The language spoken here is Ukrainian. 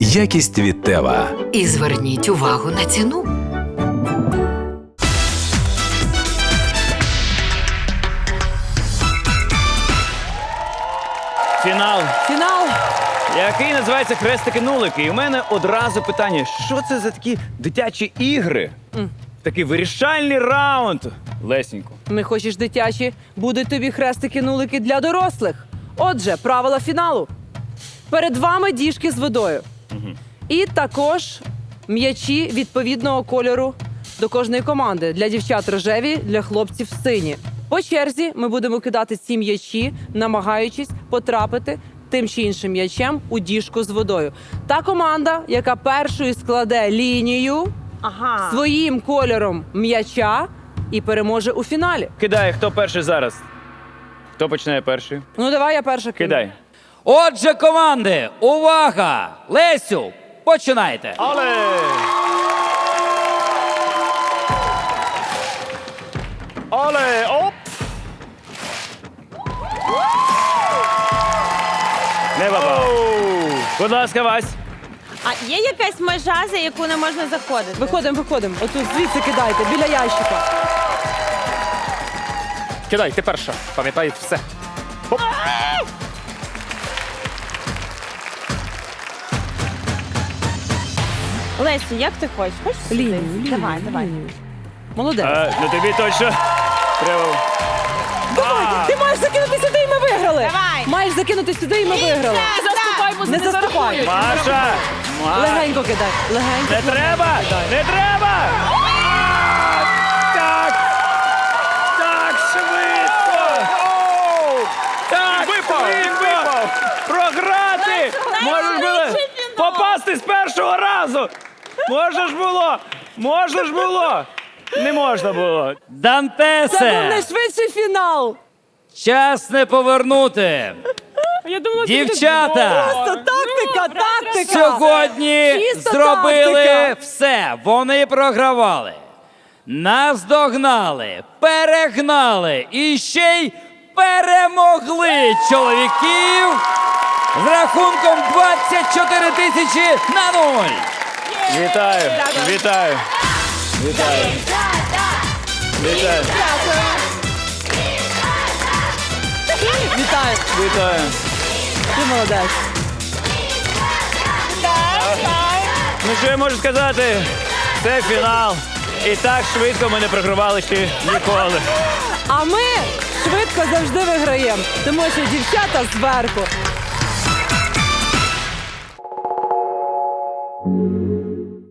Якість від Тева. І зверніть увагу на ціну. Фінал, Фінал. який називається «Хрестики-нулики». І у мене одразу питання, що це за такі дитячі ігри? Такий вирішальний раунд. Лесенько. Не хочеш дитячі? Будуть тобі хрестики-нулики для дорослих. Отже, правила фіналу. Перед вами діжки з водою. І також м'ячі відповідного кольору до кожної команди. Для дівчат рожеві, для хлопців сині. По черзі ми будемо кидати ці м'ячі, намагаючись потрапити тим чи іншим м'ячем у діжку з водою. Та команда, яка першою складе лінію своїм кольором м'яча і переможе у фіналі. Кидай, хто перший зараз? Хто починає перший? Ну, давай я перша кину. Кидай. Отже, команди, увага! Лесю, починайте. Але! Але! Оп! Не попав. Будь ласка, Вась. А є якась межа, за яку не можна заходити? Виходимо. Отут звідси кидайте, біля ящика. Кидай, ти перша. Пам'ятай все. Лесю, як ти хочеш? Хочеш сюди? Лінію. Давай. Молодець. Ну тобі точно треба. Давай, ти маєш закинути сюди і ми виграли. Давай. Маєш закинути сюди і ми виграли. Не заступай. Маша! Легенько кидай. Легенько. Не треба! Не треба! Так! Так швидко! Так швидко! Програти! Можеш було попасти з першого разу! Можна ж було! Не можна було! Це був Дантесе, найшвидший фінал. час не повернути. Дівчата, Просто тактика. сьогодні Чиста зробили тактика. все. Вони програвали. Наздогнали, перегнали і ще й перемогли чоловіків з рахунком 24 тисячі на 0. Вітаю! Вітаю! Вітаю! Вітаю! Вітаю. Вітаю! Ти молодець. Ну що я можу сказати? Це фінал. І так швидко ми не програвали ще ніколи. А ми швидко завжди виграємо, тому що дівчата зверху.